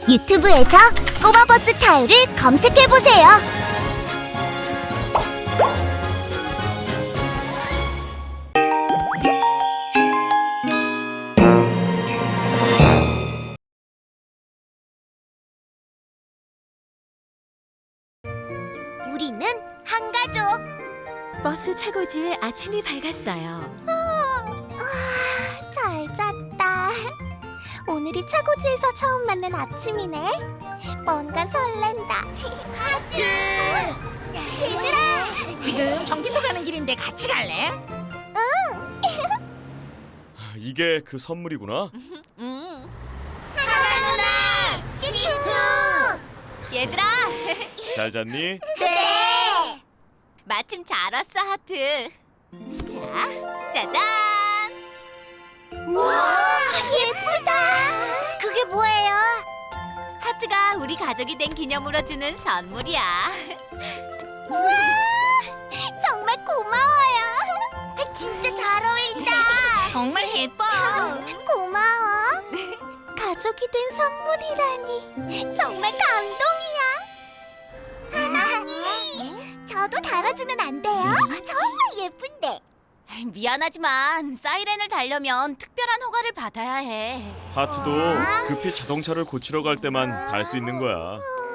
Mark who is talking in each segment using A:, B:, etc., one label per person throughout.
A: 유튜브에서 꼬마버스 타요를 검색해보세요. 우리는 한 가족.
B: 버스 차고지에 아침이 밝았어요.
A: 잘 잤다. 오늘이 차고지에서 처음 맞는 아침이네. 뭔가 설렌다. 하트! 얘들아!
C: 지금 정비소 가는 길인데 같이 갈래?
D: 이게 그 선물이구나.
A: 하나 누나! 시투!
B: 얘들아,
D: 잘 잤니?
A: 네!
B: 마침 잘 왔어, 하트. 자, 짜잔!
A: 우와! 예쁘다! 그게 뭐예요?
B: 하트가 우리 가족이 된 기념으로 주는 선물이야.
A: 우와! 정말 고마워요. 진짜 잘 어울린다.
C: 정말 예뻐.
A: 고마워. 가족이 된 선물이라니 정말 감동이야. 하나님, 저도 달아주면 안 돼요? 정말 예쁜데.
B: 미안하지만 사이렌을 달려면 특별한 허가를 받아야 해.
D: 하트도 급히 자동차를 고치러 갈 때만 달 수 있는 거야.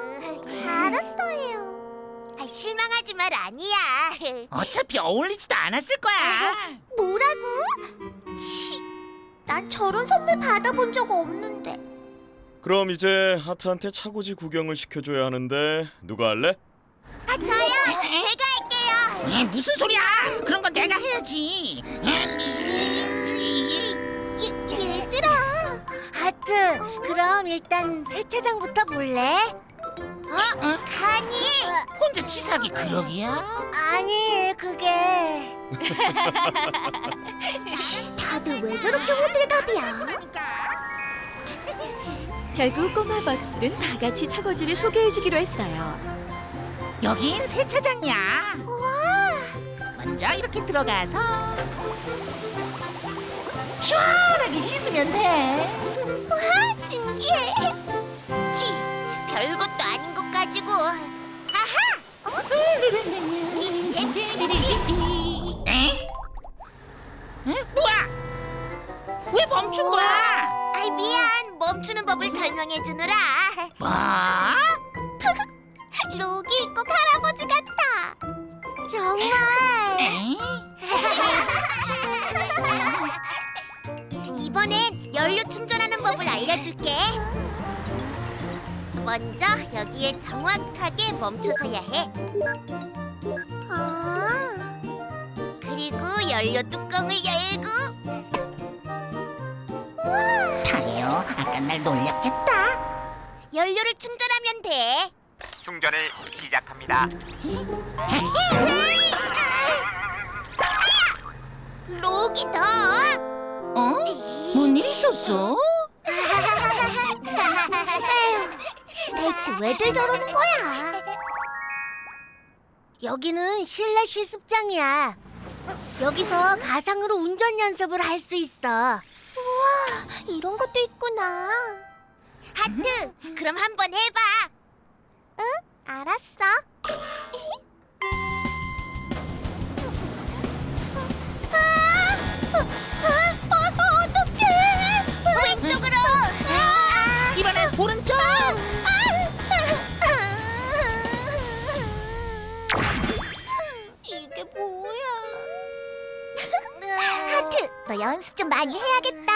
A: 알았어요. 실망하지 말 아니야.
C: 어차피 어울리지도 않았을 거야.
A: 뭐라고? 치, 난 저런 선물 받아본 적 없는데.
D: 그럼 이제 하트한테 차고지 구경을 시켜줘야 하는데 누가 할래?
A: 저요. 제가 할게요.
C: 무슨 소리야? 그런 건 내가 해야지.
A: 얘들아. 하트, 그럼 일단 세차장부터 볼래? 가니?
C: 혼자 치사하게 그러기야?
A: 아니, 그게 다들 왜 저렇게 호들갑이야?
B: 결국 꼬마 버스들은 다 같이 차고지를 소개해주기로 했어요.
C: 여긴 세차장이야.
A: 우와,
C: 먼저 이렇게 들어가서 시원하게 씻으면 돼.
A: 우와, 신기해. 치, 별것도 아닌 것 가지고. 아하! 시스템 정지.
C: 에? 뭐야? 왜 멈춘 거야?
A: 아이, 미안. 멈추는 법을 설명해 주느라.
C: 뭐?
A: 록이 있고 할아버지 같아. 정말.
C: 에?
A: 이번엔 연료 충전하는 법을 알려줄게. 먼저 여기에 정확하게 멈춰서야 해. 그리고 연료 뚜껑을 열고.
C: 타요, 아까 날 놀렸겠다.
A: 연료를 충전하면 돼.
E: 충전을 시작합니다.
A: 록이 더.
C: 어? 뭔 일 있었어?
A: 에휴, 대체 왜들 저러는 거야? 여기는 실내 실습장이야. 여기서 가상으로 운전 연습을 할 수 있어. 우와, 이런 것도 있구나. 하트, 그럼 한번 해봐. 응, 알았어. 어떡해. 왼쪽으로.
C: 이번엔 오른쪽.
A: 이게 뭐야? 하트, 너 연습 좀 많이 해야겠다.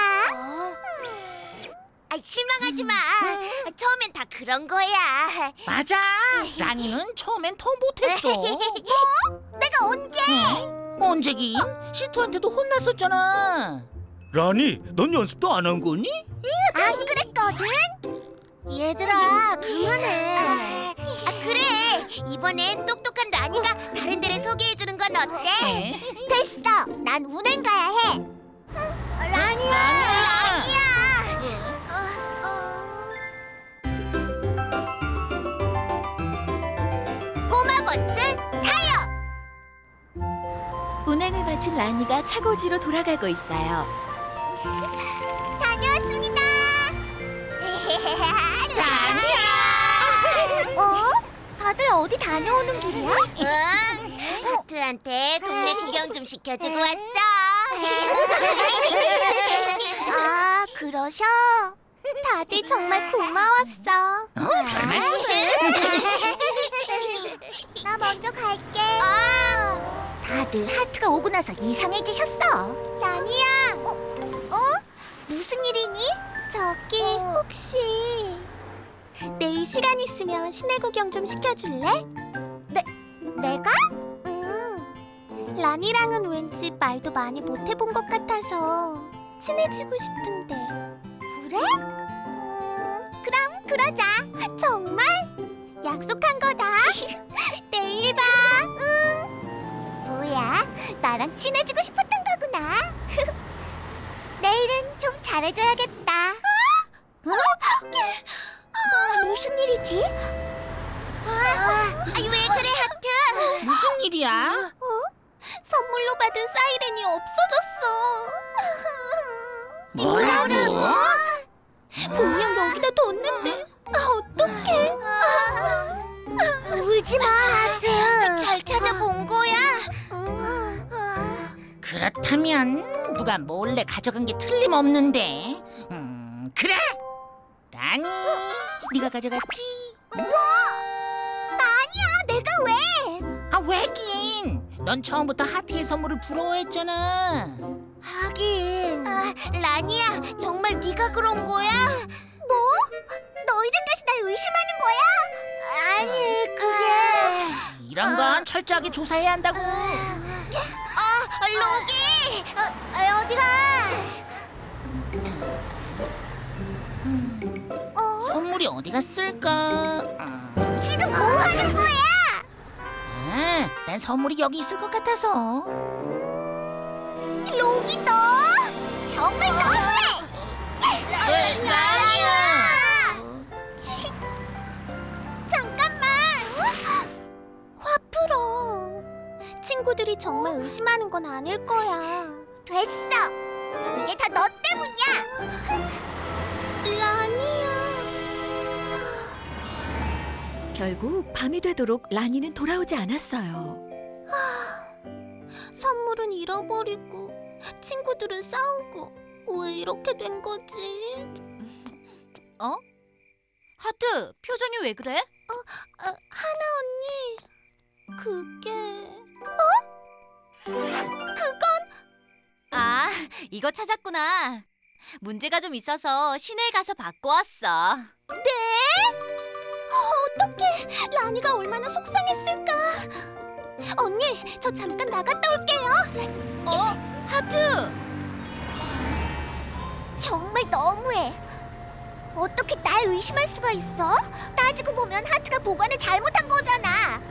A: 실망하지 마. 처음엔 다 그런 거야.
C: 맞아. 라니는 처음엔 더 못했어.
A: 뭐? 내가 언제?
C: 언제긴? 시투한테도 혼났었잖아.
F: 라니, 넌 연습도 안 한 거니?
A: 안 그랬거든? 얘들아, 그만해. 그래. 이번엔 똑똑한 라니가 다른 데를 소개해주는 건 어때? 됐어. 난 운행 가야 해. 라니야. 라니야. 꼬마 버스 타요.
B: 운행을 마친 라니가 차고지로 돌아가고 있어요.
A: 다녀왔습니다. 라니. 다들 어디 다녀오는 길이야? 응. 하트한테 동네 구경 좀 시켜주고 왔어. 아, 그러셔? 다들 정말 고마웠어.
C: 별 말씀을.
A: 나 먼저 갈게. 다들 하트가 오고 나서 이상해지셨어. 라니야. 무슨 일이니? 저기 혹시 내일 시간 있으면 시내 구경 좀 시켜줄래? 내가? 응. 라니랑은 왠지 말도 많이 못 해본 것 같아서 친해지고 싶은데. 그래? 그럼 그러자. 정말? 약속한 거다. 내일 봐. 응. 뭐야? 나랑 친해지고 싶었던 거구나. 내일은 좀 잘해줘야겠다. 어떡해. 무슨 일이지? 왜 그래, 하트?
C: 무슨 일이야?
A: 선물로 받은 사이렌이 없어졌어.
C: 뭐라고?
A: 분명 여기다 뒀는데 어떡해? 울지 마, 하트. 잘 찾아본 거야.
C: 그렇다면 누가 몰래 가져간 게 틀림없는데. 그래. 라니, 네가 가져갔지?
A: 뭐? 아니야, 내가 왜?
C: 아, 왜긴? 넌 처음부터 하트의 선물을 부러워했잖아.
A: 하긴. 라니야, 정말 네가 그런 거야? 뭐? 너희들까지 날 의심하는 거야? 아니, 그게...
C: 이런 건 철저하게 조사해야 한다고.
A: 로기! 어디가?
C: 선물이 어디 갔을까?
A: 지금 뭐 하는 거야?
C: 난 선물이 여기 있을 것 같아서.
A: 로기 너 정말 너무해! 라니야! 잠깐만! 화 풀어. 친구들이 정말 의심하는 건 아닐 거야. 됐어! 이게 다 너 때문이야! 라니야...
B: 결국 밤이 되도록 라니는 돌아오지 않았어요.
A: 선물은 잃어버리고 친구들은 싸우고 왜 이렇게 된 거지?
G: 하트, 표정이 왜 그래?
A: 하나 언니 그게
G: 아, 이거 찾았구나. 문제가 좀 있어서 시내에 가서 받고 왔어.
A: 어떡해 라니가 얼마나 속상했을까. 언니 저 잠깐 나갔다 올게요.
G: 하트!
A: 정말 너무해. 어떻게 날 의심할 수가 있어? 따지고 보면 하트가 보관을 잘못한 거잖아.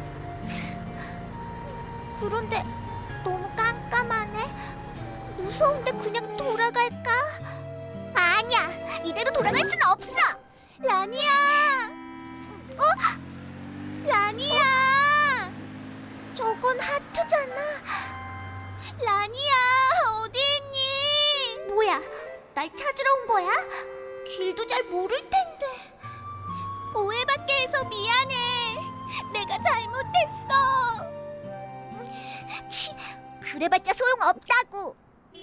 A: 그런데 너무 깜깜하네. 무서운데 그냥 돌아갈까? 아니야, 이대로 돌아갈 순 없어. 라니야, 라니야, 저건 하트잖아. 라니야, 어디 있니? 뭐야, 날 찾으러 온 거야? 길도 잘 모를 텐데. 오해받게 해서 미안해. 내가 잘못했어. 치, 그래봤자 소용없다고.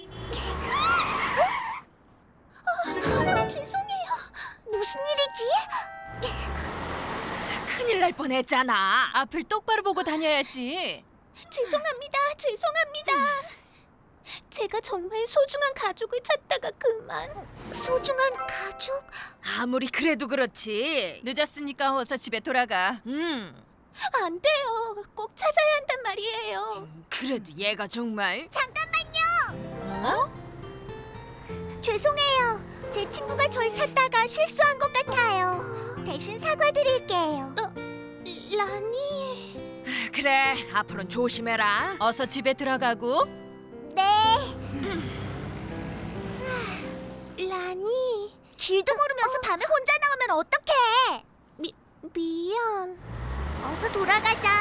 A: 죄송해요. 무슨 일이지?
G: 큰일 날 뻔했잖아. 앞을 똑바로 보고 다녀야지.
A: 죄송합니다. 제가 정말 소중한 가족을 찾다가 그만. 소중한 가족?
G: 아무리 그래도 그렇지. 늦었으니까 어서 집에 돌아가.
A: 안 돼요. 꼭 찾아야 한단 말이에요.
G: 그래도 얘가 정말.
A: 잠깐만요. 죄송해요. 제 친구가 절 찾다가 실수한 것 같아요. 대신 사과드릴게요. 라니.
G: 그래, 앞으로는 조심해라. 어서 집에 들어가고.
A: 네. 라니. 길도 모르면서 밤에 혼자 나오면 어떡해? 미안. 어서 돌아가자.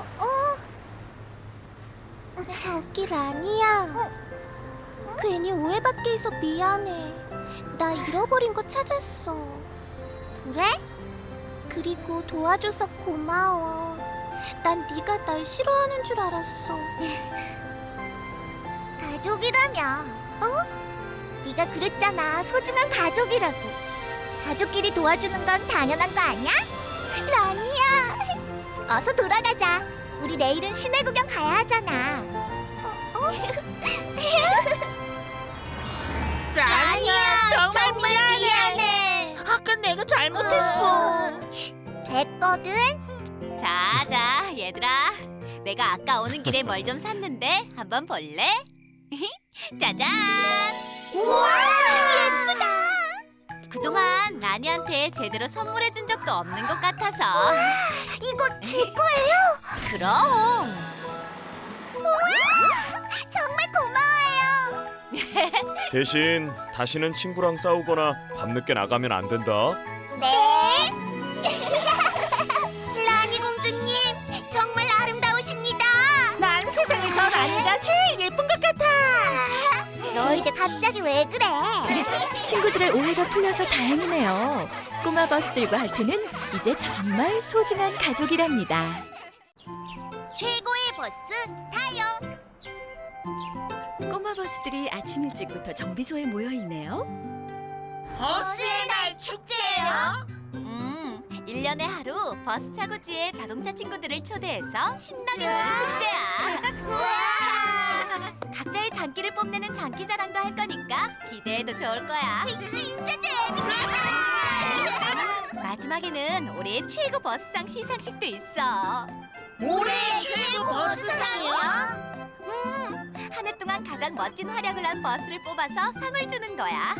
A: 저기 라니야. 괜히 오해받게 해서 미안해. 나 잃어버린 거 찾았어. 그래? 그리고 도와줘서 고마워. 난 네가 날 싫어하는 줄 알았어. 가족이라며? 네가 그랬잖아. 소중한 가족이라고. 가족끼리 도와주는 건 당연한 거 아니야? 라니야. 어서 돌아가자. 우리 내일은 시내 구경 가야 하잖아. 라니야, 정말 미안해.
C: 아까 내가 잘못했어.
A: 됐거든.
B: 자, 얘들아. 내가 아까 오는 길에 뭘 좀 샀는데 한번 볼래? 짜잔!
A: 우와, 예쁘다.
B: 그동안 라니한테 제대로 선물해 준 적도 없는 것 같아서.
A: 이거 제 거예요?
B: 그럼.
A: 정말 고마워요.
D: 대신 다시는 친구랑 싸우거나 밤늦게 나가면 안 된다.
A: 네. 라니 공주님, 정말 아름다우십니다.
C: 난 세상에서 라니가 제일 예쁜 것 같아.
A: 너희들 갑자기 왜 그래?
B: 친구들의 오해가 풀려서 다행이네요. 꼬마 버스들과 하트는 이제 정말 소중한 가족이랍니다.
A: 최고의 버스 타요.
B: 꼬마 버스들이 아침 일찍부터 정비소에 모여 있네요.
A: 버스의 날 축제예요.
B: 1년에 하루 버스 차고지에 자동차 친구들을 초대해서 신나게 노는 축제야. 각자의 장기를 뽐내는 장기 자랑도 할 거니까 기대해도 좋을 거야.
A: 진짜 재밌겠다.
B: 마지막에는 올해의 최고 버스상 시상식도 있어.
A: 올해 최고 버스상이요?
B: 한 해 동안 가장 멋진 활약을 한 버스를 뽑아서 상을 주는 거야.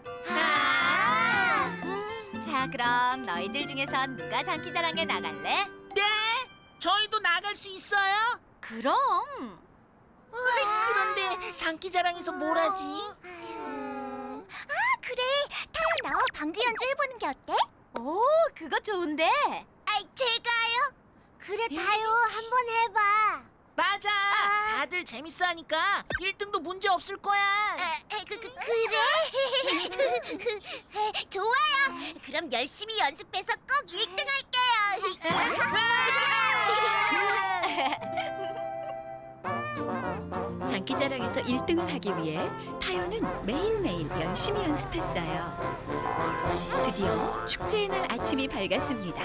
B: 자, 그럼 너희들 중에선 누가 장기자랑에 나갈래?
C: 네? 저희도 나갈 수 있어요?
B: 그럼.
C: 그런데 장기자랑에서 뭘 하지?
A: 그래. 타요, 너 방귀 연주 해보는 게 어때?
B: 오, 그거 좋은데.
A: 제가요? 그래, 타요. 한번 해봐.
C: 맞아. 다들 재밌어하니까 1등도 문제 없을 거야.
A: 그래? 좋아요. 그럼 열심히 연습해서 꼭 1등 할게요.
B: 장기자랑에서 1등을 하기 위해 타요는 매일매일 열심히 연습했어요. 드디어 축제의 날 아침이 밝았습니다.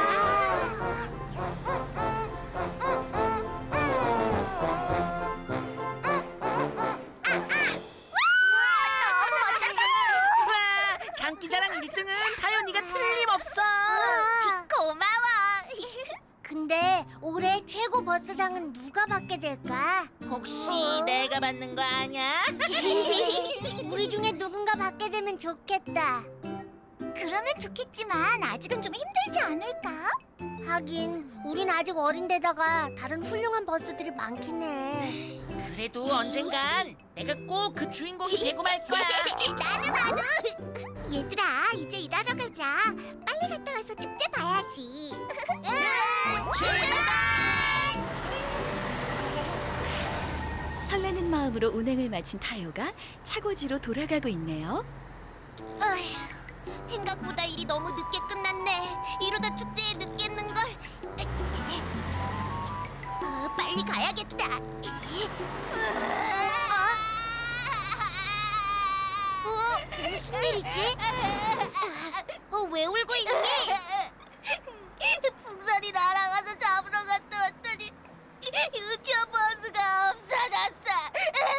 A: 너무 멋졌다.
C: 와, 장기자랑 1등은 타연이가 틀림없어.
A: 고마워. 근데 올해 최고 버스상은 누가 받게 될까?
C: 혹시 내가 받는 거 아니야?
A: 우리 중에 누군가 받게 되면 좋겠다. 그러면 좋겠지만 아직은 좀 힘들지 않을까? 하긴 우린 아직 어린데다가 다른 훌륭한 버스들이 많긴 해.
C: 그래도 언젠간 내가 꼭 그 주인공이 되고 말 거야.
A: 나도. 얘들아, 이제 일하러 가자. 빨리 갔다 와서 축제 봐야지. 출발!
B: 설레는 마음으로 운행을 마친 타요가 차고지로 돌아가고 있네요.
A: 어휴, 생각보다 일이 너무 늦게 끝났네. 이러다 축제에 늦겠는걸. 빨리 가야겠다. 무슨 일이지? 왜 울고 있니? 풍선이 날아가서 잡으러 갔다 왔더니 유치원 버스가 없어졌어.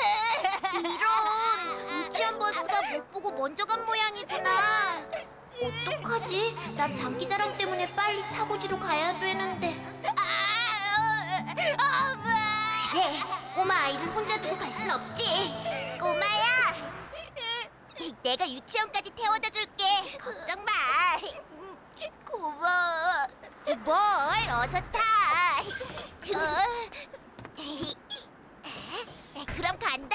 A: 이런, 유치원 버스가 못 보고 먼저 간 모양이구나. 어떡하지? 난 장기자랑 때문에 빨리 차고지로 가야 되는데. 그래, 꼬마 아이를 혼자 두고 갈 순 없지. 꼬마야, 내가 유치원까지 태워다 줄게. 걱정 마. 고마워. 뭘, 어서 타. 그럼 간다.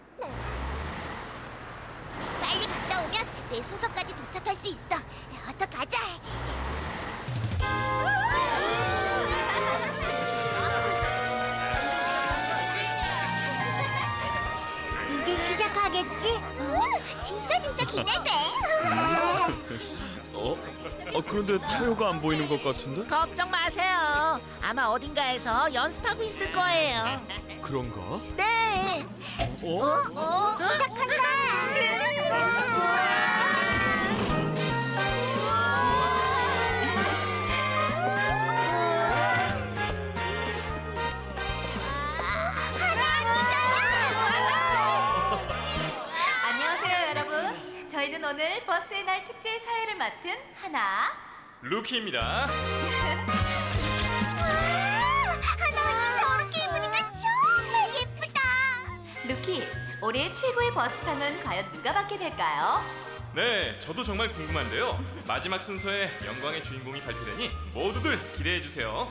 A: 빨리 갔다 오면 내 순서까지 도착할 수 있어. 어서 가자. 이제 시작하겠지? 진짜 기대돼.
D: 그런데 타요가 안 보이는 것 같은데?
C: 걱정 마세요. 아마 어딘가에서 연습하고 있을 거예요.
D: 그런가?
C: 네.
A: 시작한다.
H: 안녕하세요, 여러분. 저희는 오늘 버스의 날 축제의 사회를 맡은 하나.
D: 루키입니다.
A: 하나원이 저렇게 입으니까 정말 예쁘다.
H: 루키, 올해 최고의 버스상은 과연 누가 받게 될까요?
I: 네, 저도 정말 궁금한데요. 마지막 순서에 영광의 주인공이 발표되니 모두들 기대해 주세요.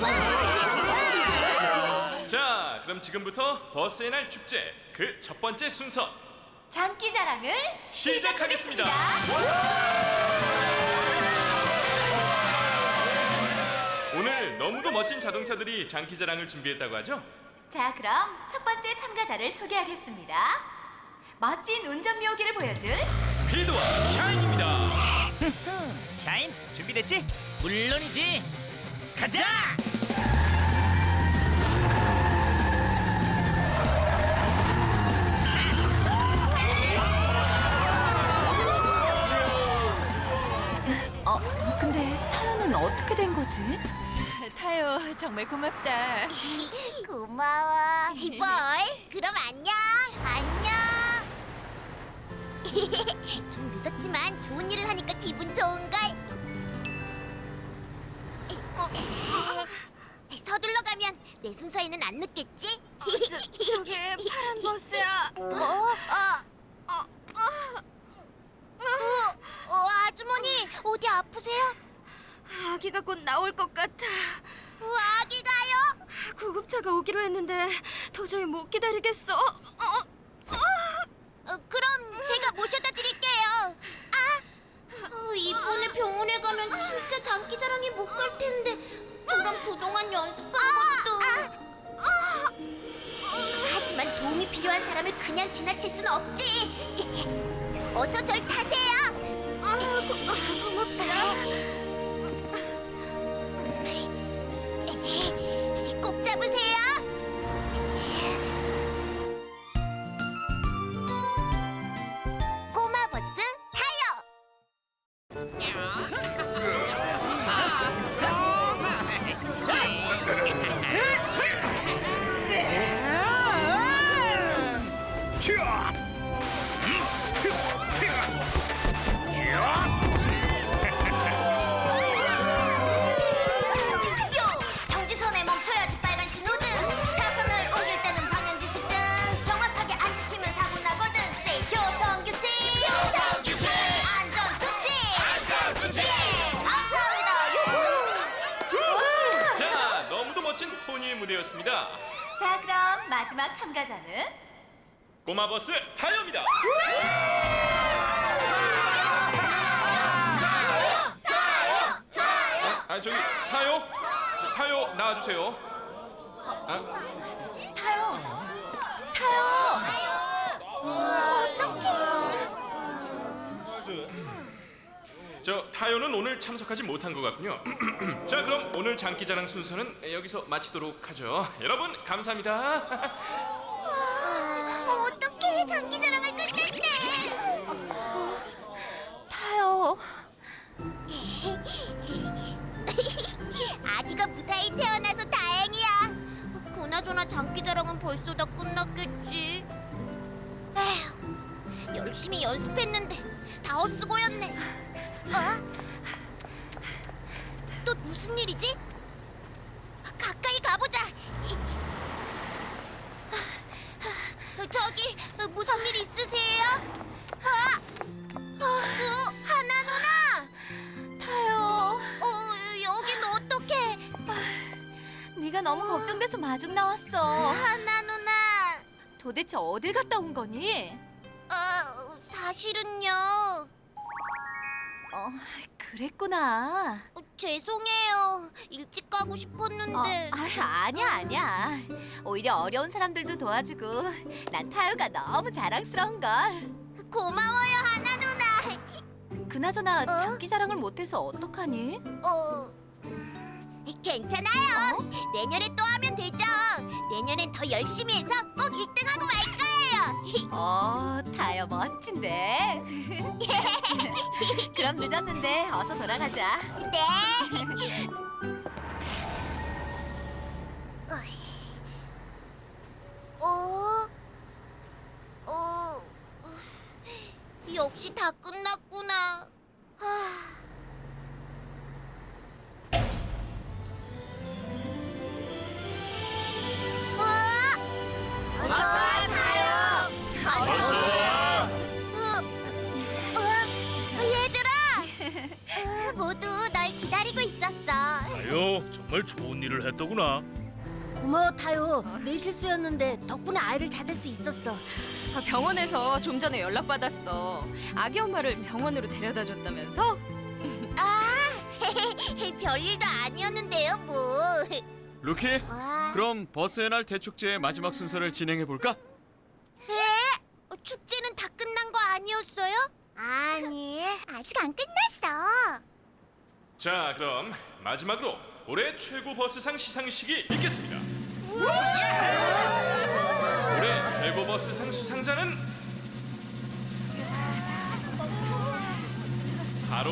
I: 자, 그럼 지금부터 버스의 날 축제 그 첫 번째 순서
H: 장기자랑을
I: 시작하겠습니다. 오늘 너무도 멋진 자동차들이 장기자랑을 준비했다고 하죠?
H: 자, 그럼 첫 번째 참가자를 소개하겠습니다. 멋진 운전 묘기를 보여줄
I: 스피드와 샤인입니다.
F: 샤인, 준비됐지? 물론이지. 가자!
B: 근데 타요는 어떻게 된 거지?
G: 타요 정말 고맙다.
A: 고마워. 볼. 그럼 안녕. 좀 늦었지만 좋은 일을 하니까 기분 좋은걸. 서둘러 가면 내 순서에는 안 늦겠지?
G: 저게 파란 버스야.
A: 아주머니 어디 아프세요?
G: 아기가 곧 나올 것 같아.
A: 아기가요?
G: 구급차가 오기로 했는데 도저히 못 기다리겠어.
A: 그럼 제가 모셔다 드릴게요. 이번에 병원에 가면 진짜 장기자랑이 못 갈 텐데. 그럼 그동안 연습한 것도. 하지만 도움이 필요한 사람을 그냥 지나칠 순 없지. 어서 절 타세요. 고맙다. 꼭 잡으세요. 꼬마 버스 타요. 정지선에 멈춰야지 빨간 신호등. 차선을 옮길 때는 방향 지시 등. 정확하게 안 지키면 사고 나거든. Say 교통규칙. 안전수칙. 감사합니다.
I: 자, 너무도 멋진 토니의 무대였습니다.
H: 자, 그럼 마지막 참가자는
I: 꼬마버스 타요입니다. 저기 타요? 타요 나와주세요. 저 타요는 오늘 참석하지 못한 것 같군요. 자, 그럼 오늘 장기자랑 순서는 여기서 마치도록 하죠. 여러분 감사합니다.
A: 어떻게 장기자랑을 끝냈대?
H: 타요.
A: 아기가 무사히 태어나서 다행이야. 그나저나 장기자랑은 벌써 다 끝났겠지. 에휴, 열심히 연습했는데 다 헛수고였네. 또 무슨 일이지? 가까이 가보자. 저기 무슨 일 있으세요? 하나 누나.
H: 타요.
A: 여긴 어떡해?
H: 네가 너무 걱정돼서 마중 나왔어.
A: 하나 누나.
H: 도대체 어딜 갔다 온 거니?
A: 사실은요.
H: 그랬구나.
A: 죄송해요. 일찍 가고 싶었는데.
H: 아니야. 오히려 어려운 사람들도 도와주고 난 타요가 너무 자랑스러운 걸.
A: 고마워요, 하나 누나.
H: 그 그나저나 장기 자랑을 못해서 어떡하니?
A: 괜찮아요. 내년에 또 하면 되죠. 내년엔 더 열심히 해서 꼭 1등하고 말 거예요.
H: 타요 멋진데. 그럼 늦었는데 어서 돌아가자.
A: 네. 역시 다 끝났구나. 얘들아! 모두 널 기다리고 있었어.
J: 타요, 정말 좋은 일을 했더구나.
A: 고마워 타요. 내 실수였는데 덕분에 아이를 찾을 수 있었어.
G: 병원에서 좀 전에 연락 받았어. 아기 엄마를 병원으로 데려다 줬다면서?
A: 별일도 아니었는데요, 뭐.
D: 루키,
A: 와.
D: 그럼 버스의 날 대축제의 마지막 순서를 진행해 볼까?
A: 축제는 다 끝난 거 아니었어요? 아니, 아직 안 끝났어.
I: 자, 그럼 마지막으로 올해 최고 버스상 시상식이 있겠습니다. 올해 최고 버스상 수상자는 바로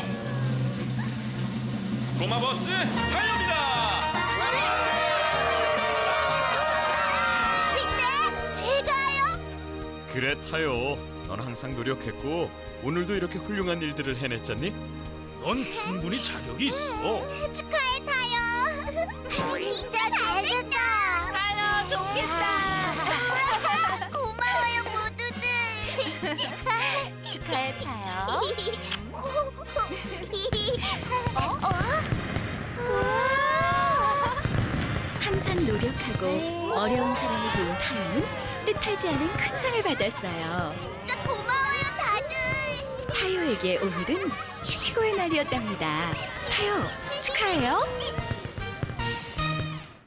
I: 꼬마버스 타요입니다.
A: 근데 제가요?
D: 그래 타요. 넌 항상 노력했고 오늘도 이렇게 훌륭한 일들을 해냈잖니?
J: 넌 충분히 자격이 있어.
A: 축하해 타요. 진짜 잘됐다. 타요 좋겠다. 고마워요 모두들.
H: 축하해 타요.
B: 항상 노력하고 어려운 사람을 도운 타요는 뜻하지 않은 큰 상을 받았어요.
A: 진짜 고마워요 다들.
B: 타요에게 오늘은 최고의 날이었답니다. 타요, 축하해요.